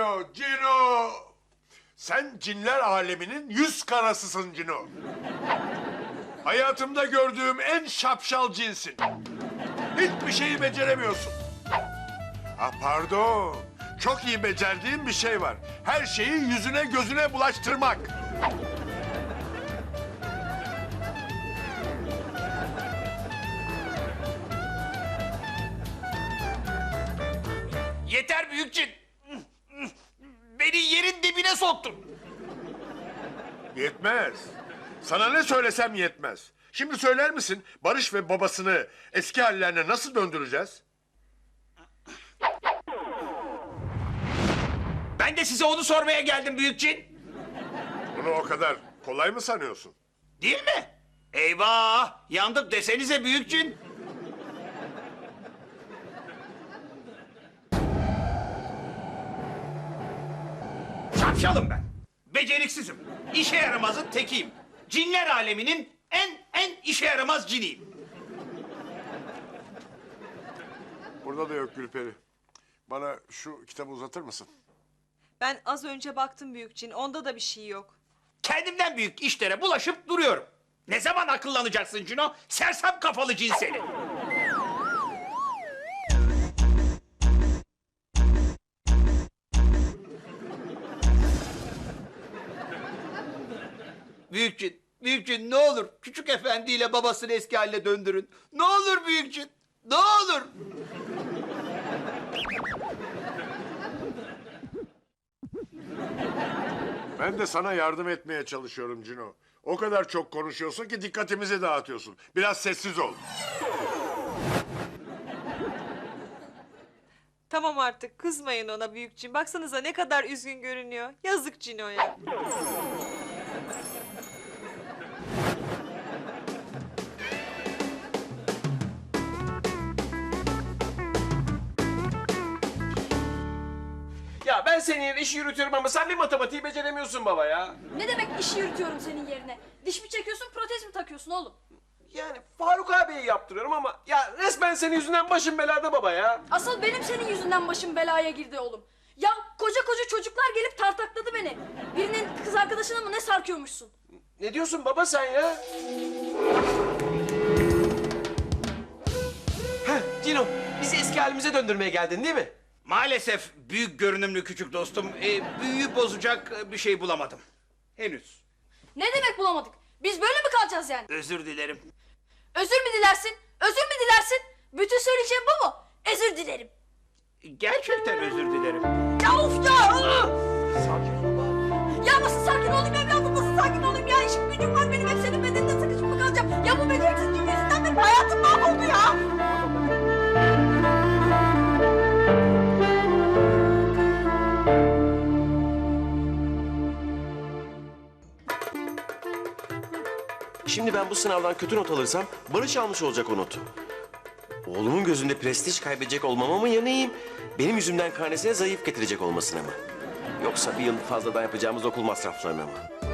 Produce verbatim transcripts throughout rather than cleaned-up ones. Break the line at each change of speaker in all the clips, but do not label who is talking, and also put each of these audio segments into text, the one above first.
Cino, Cino! Sen cinler aleminin yüz karasısın Cino. Hayatımda gördüğüm en şapşal cinsin. Hiçbir şeyi beceremiyorsun. Ha pardon. Çok iyi becerdiğim bir şey var. Her şeyi yüzüne gözüne bulaştırmak.
Yeter büyükçin. Beni yerin dibine soktun.
Yetmez. Sana ne söylesem yetmez. Şimdi söyler misin Barış ve babasını eski hallerine nasıl döndüreceğiz?
Ben de size onu sormaya geldim büyükçin.
Bunu o kadar kolay mı sanıyorsun?
Değil mi? Eyvah! Yandık desenize büyükçin. Şapşalım ben. Beceriksizim. İşe yaramazın tekiyim. Cinler aleminin en en işe yaramaz ciniyim.
Burada da yok Gülperi. Bana şu kitabı uzatır mısın?
Ben az önce baktım Büyükçin, onda da bir şey yok.
Kendimden büyük işlere bulaşıp duruyorum. Ne zaman akıllanacaksın Cino? Sersem kafalı cin seni. Büyükçin, büyükçin ne olur küçük efendiyle babasını eski haline döndürün. Ne olur büyükçin, ne olur.
Ben de sana yardım etmeye çalışıyorum Cino. O kadar çok konuşuyorsun ki dikkatimizi dağıtıyorsun. Biraz sessiz ol.
Tamam artık, kızmayın ona Büyükçin. Baksanıza ne kadar üzgün görünüyor. Yazık Cino'ya.
Ya ben senin yerine işi yürütüyorum ama sen bir matematiği beceremiyorsun baba ya.
Ne demek işi yürütüyorum senin yerine? Diş mi çekiyorsun, protez mi takıyorsun oğlum?
Yani Faruk abiye yaptırıyorum ama ya resmen senin yüzünden başım belada baba ya.
Asıl benim senin yüzünden başım belaya girdi oğlum. Ya koca koca çocuklar gelip tartakladı beni. Birinin kız arkadaşına mı ne sarkıyormuşsun?
Ne diyorsun baba sen ya? Heh Cino, bizi eski halimize döndürmeye geldin değil mi?
Maalesef büyük görünümlü küçük dostum, e, büyüyü bozacak e, bir şey bulamadım. Henüz.
Ne demek bulamadık? Biz böyle mi kalacağız yani?
Özür dilerim.
Özür mü dilersin? Özür mü dilersin? Bütün söyleyeceğim bu mu? Özür dilerim.
Gerçekten özür dilerim.
Ya of ya!
Sakin ol baba.
Ya nasıl sakin olayım evladım, nasıl sakin olayım ya? İşim gücüm var benim, hep senin bedeninde sıkışıp mı kalacağım? Ya bu beceriksizliğin yüzünden benim hayatım mahvoldu ya!
Şimdi ben bu sınavdan kötü not alırsam Barış almış olacak o notu. Oğlumun gözünde prestij kaybedecek olmama mı yanayım? Benim yüzümden karnesine zayıf getirecek olmasına mı? Yoksa bir yıl fazladan yapacağımız okul masraflarına mı?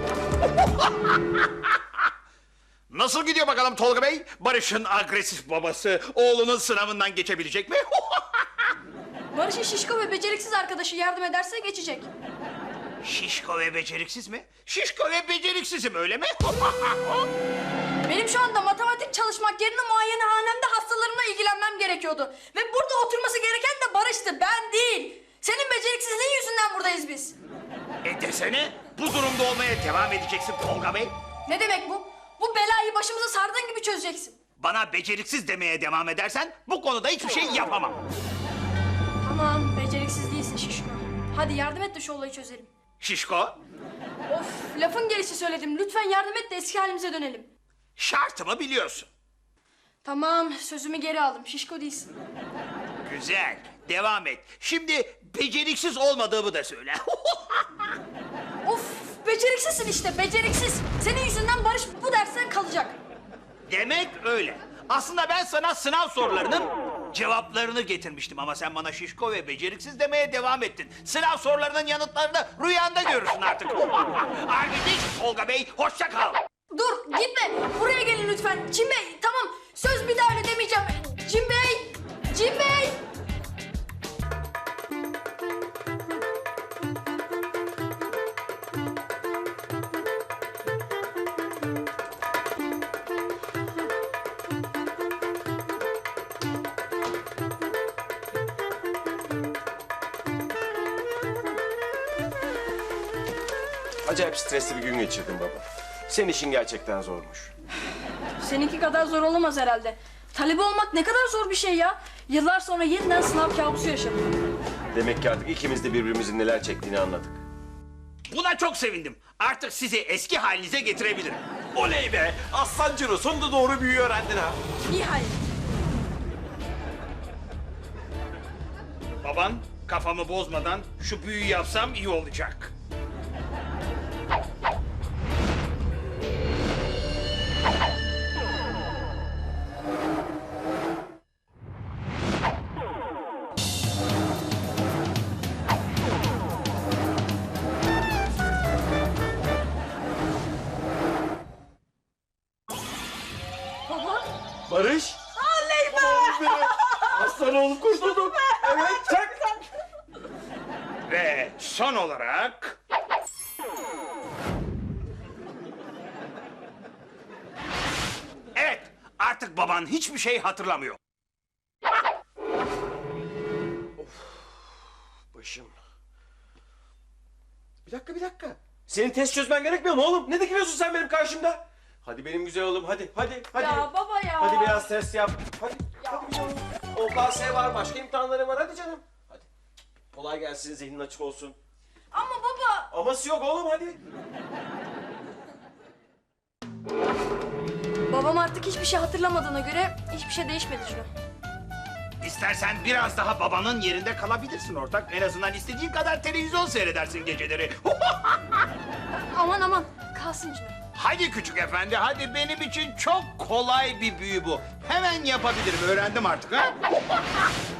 Nasıl gidiyor bakalım Tolga Bey? Barış'ın agresif babası oğlunun sınavından geçebilecek mi?
Barış'ın şişko ve beceriksiz arkadaşı yardım ederse geçecek.
Şişko ve beceriksiz mi? Şişko ve beceriksizim öyle mi?
Benim şu anda matematik çalışmak yerine muayenehanemde hastalarımla ilgilenmem gerekiyordu. Ve burada oturması gereken de Barış'tı, ben değil. Senin beceriksizliğin yüzünden buradayız biz.
E desene bu durumda olmaya devam edeceksin Tolga Bey.
Ne demek bu? Bu belayı başımıza sardığın gibi çözeceksin.
Bana beceriksiz demeye devam edersen bu konuda hiçbir şey yapamam.
Tamam, beceriksiz değilsin şişko. Hadi yardım et de şu olayı çözelim.
Şişko,
Of, lafın gelişi söyledim. Lütfen yardım et de eski halimize dönelim.
şartımı biliyorsun.
Tamam, sözümü geri aldım. Şişko değilsin.
Güzel, devam et. Şimdi beceriksiz olmadığımı da söyle.
Of, beceriksizsin işte, beceriksiz. Senin yüzünden Barış bu dersten kalacak.
Demek öyle. Aslında ben sana sınav sorularının cevaplarını getirmiştim ama sen bana şişko ve beceriksiz demeye devam ettin. Sınav sorularının yanıtlarını rüyanda görürsün artık. Arkadaş Tolga Bey, hoşça kal.
Dur, gitme. Buraya gelin lütfen. Cim Bey, tamam. Söz bir daha öyle demeyeceğim. Cim Bey, Cim Bey.
Acayip stresli bir gün geçirdim baba. Senin işin gerçekten zormuş.
Seninki kadar zor olamaz herhalde. Talebe olmak ne kadar zor bir şey ya. Yıllar sonra yeniden sınav kabusu yaşadım.
Demek ki artık ikimiz de birbirimizin neler çektiğini anladık.
Buna çok sevindim. Artık sizi eski halinize getirebilirim.
Oley be! Aslan Cino sonunda doğru büyüyü öğrendin ha.
Nihayet.
Baban kafamı bozmadan şu büyüyü yapsam iyi olacak.
Baba.
Barış!
Oley be!
Aslan oğlum kurtuldum. Evet çak.
Ve son olarak... Evet, artık baban hiçbir şey hatırlamıyor.
Başım. Bir dakika bir dakika. Senin test çözmen gerekmiyor mu oğlum? Ne dikiliyorsun sen benim karşımda? Hadi benim güzel oğlum hadi hadi hadi.
Ya baba ya.
Hadi biraz test yap. Hadi. Hadi bir oğlum. O K S var, başka imtihanları var. Hadi canım. Hadi. Kolay gelsin, zihnin açık olsun.
Ama baba.
Aması yok oğlum hadi.
Babam artık hiçbir şey hatırlamadığına göre hiçbir şey değişmedi Cino.
İstersen biraz daha babanın yerinde kalabilirsin ortak. En azından istediğin kadar televizyon seyredersin geceleri.
Aman aman kalsın Cino.
Hadi küçük efendi, hadi benim için çok kolay bir büyü bu. Hemen yapabilirim, öğrendim artık ha.